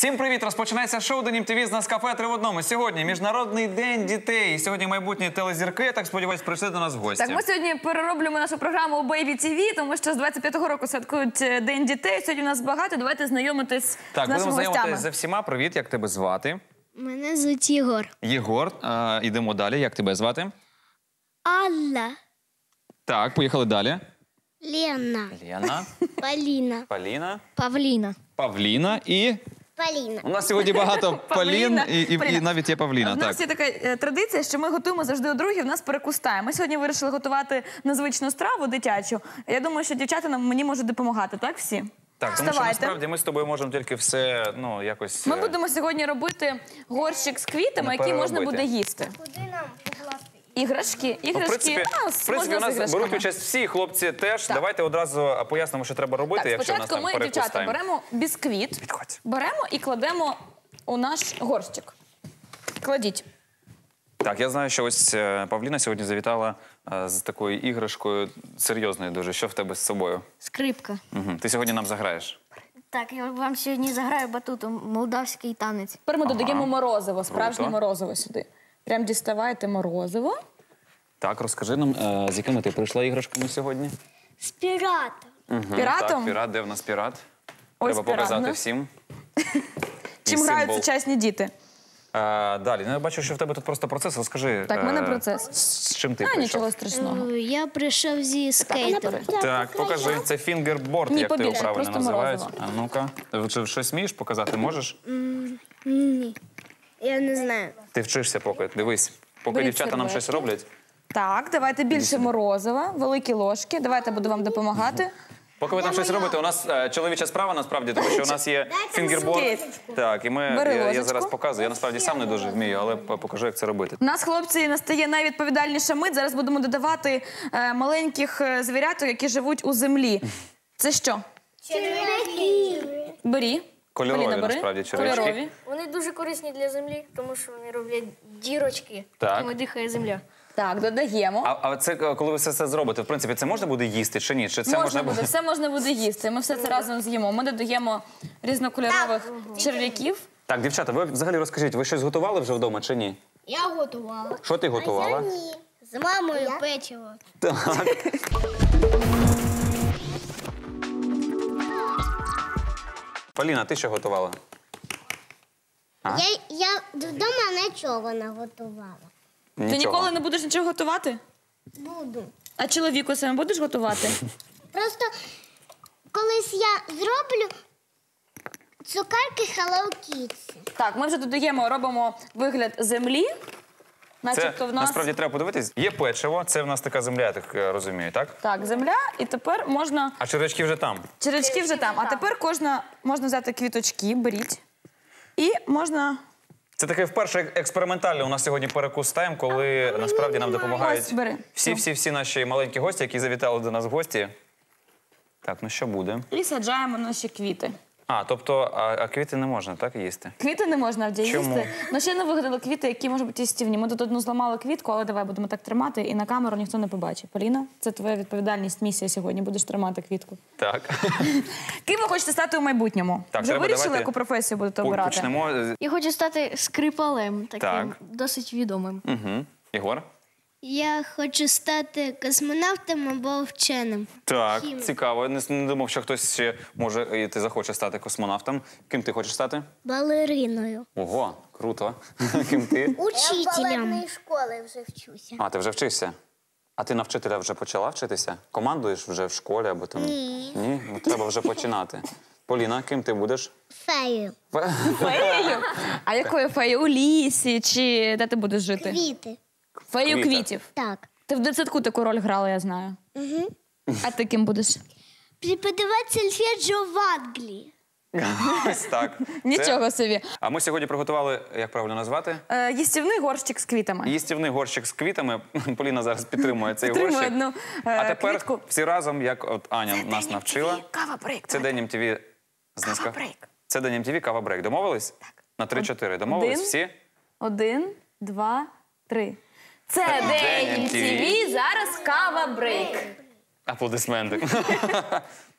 Всім привіт! Розпочинається шоу «День МТВ» з нас кафе 3 в одному. Сьогодні Міжнародний день дітей. Сьогодні майбутні телезірки, я так сподіваюся, прийшли до нас в гості. Так, ми сьогодні перероблюємо нашу програму у Baby TV, тому що з 25-го року святкують День дітей. Сьогодні у нас багато, давайте знайомитись з нашими гостями. Так, будемо знайомитись з всіма. Привіт, як тебе звати? Мене звуть Єгор. Єгор. Йдемо далі. Як тебе звати? Алла. Так, поїхали далі. Лена. Лена. Поліна. Поліна. Павліна. Павліна і... Поліна. У нас сьогодні багато Полін і навіть є Павліна. У нас є така традиція, що ми готуємо завжди у другій, в нас перекустає. Ми сьогодні вирішили готувати незвичну страву дитячу. Я думаю, що дівчата мені можуть допомагати, так всі? Так, тому що насправді ми з тобою можемо тільки все, якось... Ми будемо сьогодні робити горщик з квітами, який можна буде їсти. Куди нам покласти? Іграшки. В принципі, у нас беруть участь всі хлопці теж. Так. Давайте одразу пояснимо, що треба робити, якщо у нас там спочатку ми, дівчата, перекустаємо. беремо бісквіт, Підходь. беремо і кладемо у наш горщик. Кладіть. Так, я знаю, що ось Павліна сьогодні завітала з такою іграшкою серйозною дуже. Що в тебе з собою? Скрипка. Угу. Ти сьогодні нам заграєш. Так, я вам сьогодні заграю батутом молдавський танець. Тепер ми додаємо морозиво, справжнє Круто. морозиво сюди. Прям діставайте морозиво. Так, розкажи нам, з якими ти прийшла іграшками сьогодні? З піратом. Піратом? Так, пірат. Де в нас пірат? Ось Треба пірат, показати ну. всім. Чим І грають символ. сучасні діти? Далі, я бачу, що в тебе тут просто процес. Розкажи, Так, в мене процес. з чим ти А, прийшов? нічого страшного. Я прийшов зі скейтом. Так, покажи. Це фінгерборд, Ні, як ти його побільше, правильно просто називають. морозиво. А ну-ка. Чи щось вмієш показати? Можеш? Ні. Я не знаю. Ти вчишся поки. Дивись. Поки Беріть дівчата нам серветки. щось роблять. Так, давайте більше морозива, великі ложки. Давайте я буду вам допомагати. Поки ви там щось робите, у нас чоловіча справа, насправді, тому що у нас є фінгерборд. скейт. Так, і Бери я ложечку. зараз показую. Я насправді сам не дуже вмію, але покажу, як це робити. У нас, хлопці, настає найвідповідальніша мить. Зараз будемо додавати маленьких звіряток, які живуть у землі. Це що? Черв'яки. Бері. Кольорові, Поліна, бери. насправді, черв'ячки. Кольорові. Вони дуже корисні для землі, тому що вони роблять дірочки, Так. якими дихає земля. Так, додаємо. А це, коли ви все це зробите, в принципі, це можна буде їсти чи ні? Чи це Можна буде, все можна буде їсти. Ми все це разом з'їмо. Ми додаємо різнокольорових черв'яків. Так, дівчата, ви взагалі розкажіть, ви щось готували вже вдома чи ні? Я готувала. Що ти готувала? Ні. З мамою печиво. Так. Поліна, ти що готувала? Я вдома нічого не готувала. Ти Нічого. ніколи не будеш нічого готувати? Буду. А чоловіку саме будеш готувати? Просто колись я зроблю цукерки Hello Kitty. Так, ми вже додаємо, робимо вигляд землі. Це Начебто в нас... насправді треба подивитись. Є печиво, це в нас така земля, я так розумію, так? Так, земля, і тепер можна... А червячки вже там. Черечки вже там. А тепер можна взяти квіточки, беріть. І можна... Це таке вперше експериментальне у нас сьогодні перекус-тайм, коли насправді нам допомагають Ось, бери. всі наші маленькі гості, які завітали до нас в гості. Так, ну що буде? І саджаємо наші квіти. Тобто, а квіти не можна, так, їсти? Квіти не можна в Чому? їсти. Ну, ще не вигадали квіти, які можуть бути їстівні. Ми тут одну зламали квітку, але давай будемо так тримати, і на камеру ніхто не побачить. Поліна, це твоя відповідальність, місія сьогодні. Будеш тримати квітку. Так. Ким ви хочете стати у майбутньому? Так, вже треба, вирішили, давайте яку професію будете обирати? Почнемо. Я хочу стати скрипалем, таким Так. досить відомим. Угу. Ігор? Я хочу стати космонавтом або вченим. Так, цікаво. Не думав, що хтось ще може і ти захоче стати космонавтом. Ким ти хочеш стати? Балериною. Ого, круто. Ким ти? Учителем. школи вже вчуся. Ти вже вчишся? А ти на вчителя вже почала вчитися? Командуєш вже в школі або там? Ні. Ні? Ну, треба вже починати. Поліна, ким ти будеш? Фею. Феєю? А якою феєю? У лісі? Чи де ти будеш жити? Квіти. Фею Квіти. квітів. Так. Ти в дитсадку таку роль грала, я знаю. Угу. А ти ким будеш? Преподаватель сольфеджио в Англії. Ось так. Нічого собі. А ми сьогодні приготували, як правильно назвати? Їстівний горщик з квітами. Їстівний горщик з квітами. Поліна зараз підтримує цей Підтримує горщик. одну, А тепер квітку. всі разом, як от Аня нас навчила. Кава-брейк. Це День МТВ з Неска. Кава-брейк. Це День МТВ, кава-брейк. Домовились? Так. На 3-4. Домовились Один. всі? 1, 2, 3. Це День День MTV. МТВ, зараз кава-брейк. Аплодисменти.